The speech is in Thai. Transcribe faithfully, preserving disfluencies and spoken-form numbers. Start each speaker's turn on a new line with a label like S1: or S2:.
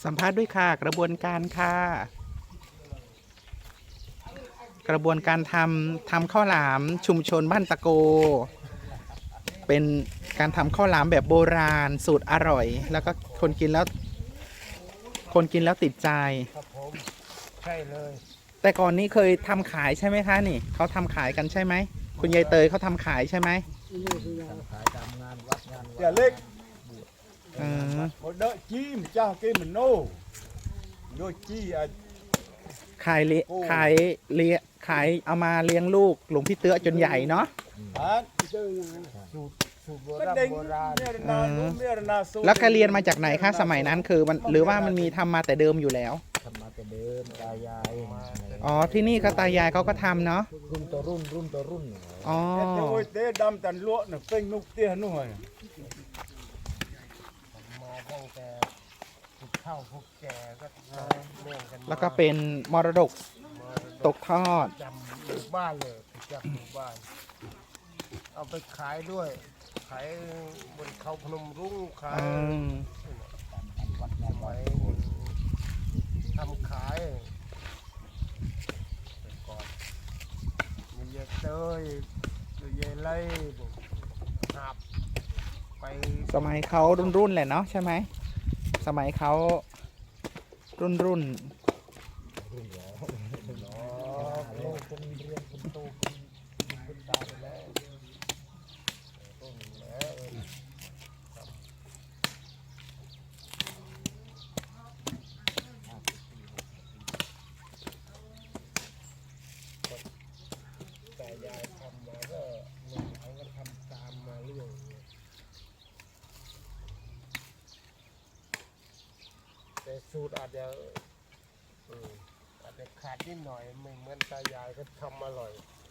S1: สัมภาษณ์ด้วยค่ะกระบวนการค่ะกระบวนการทำทำข้าวหลามชุมชนบ้านตะโกเป็นการทำข้าวหลามแบบโบราณสูตรอร่อย แล้วก็คนกินแล้วคนกินแล้วติดใจ
S2: ครับผมใช่เลย
S1: แต่ก่อนนี้เคยทำขายใช่ไหมคะนี่เขาทำขายกันใช่ไหมคุณยายเตยเขาทำขายใช่ไหม
S2: ขายตามงานวัดงานวัด
S3: Dạ lịch
S1: เออ
S3: Hồi đợi chi mà cha cái mình nô Nô chi à
S1: ขายเลี้ยขายเลี้ยขายเอามาเลี้ยงลูกหลวงพี่เตื้อจนใหญ่เนาะ
S3: Hả
S2: สูตรสูตรโบ
S3: Bất
S2: ราณ
S3: định
S2: โบราณ
S3: Mẹ là nào nô mẹ là nào số
S1: แล้วแกเรียนมาจากไหนคะสมัยนั้นคือมันหรือว่ามันมีทำมาแต่เดิมอยู่แล้ว
S2: ทำมาแต่เดิมตายายมา
S1: อ๋อที่นี่ก็ตายายเขาก็ทำเนาะ
S2: รุ่นต่อรุ่นรุ่นต่อรุ่น
S1: อ๋อ
S3: Thế ôi tế đâm tàn lụa nó kênh nục tia nó rồi
S2: มาตั้งแต่พวกเข้าพวกแก่ก็เรื่องกันมา
S1: แล้วก็เป็นมรดกตกทอด
S2: จำหมู่บ้านเลยจำหมู่บ้าน เอาไปขายด้วย ขายบนเขาพนมรุ้งขาย
S1: อืม
S2: สมัยทำขายแต่ก่อนมีเยายเตยมีเยายไล่หับไป
S1: สมัยเขารุ่นรุ่นแหละเนาะใช่ไหมสมัยเขารุ่นรุ่น
S2: อ๋อโลกคนเรียนคนโตคนคนตายไปแล้วต้นแล้วเออแต่ยายทำมาก็หนึ่งเขาก็ทำตามมาเรื่อยแต่สูตรอาจจะเอออาจจะขาดนิดหน่อยไม่เหมือนตายายก็ทำอร่อย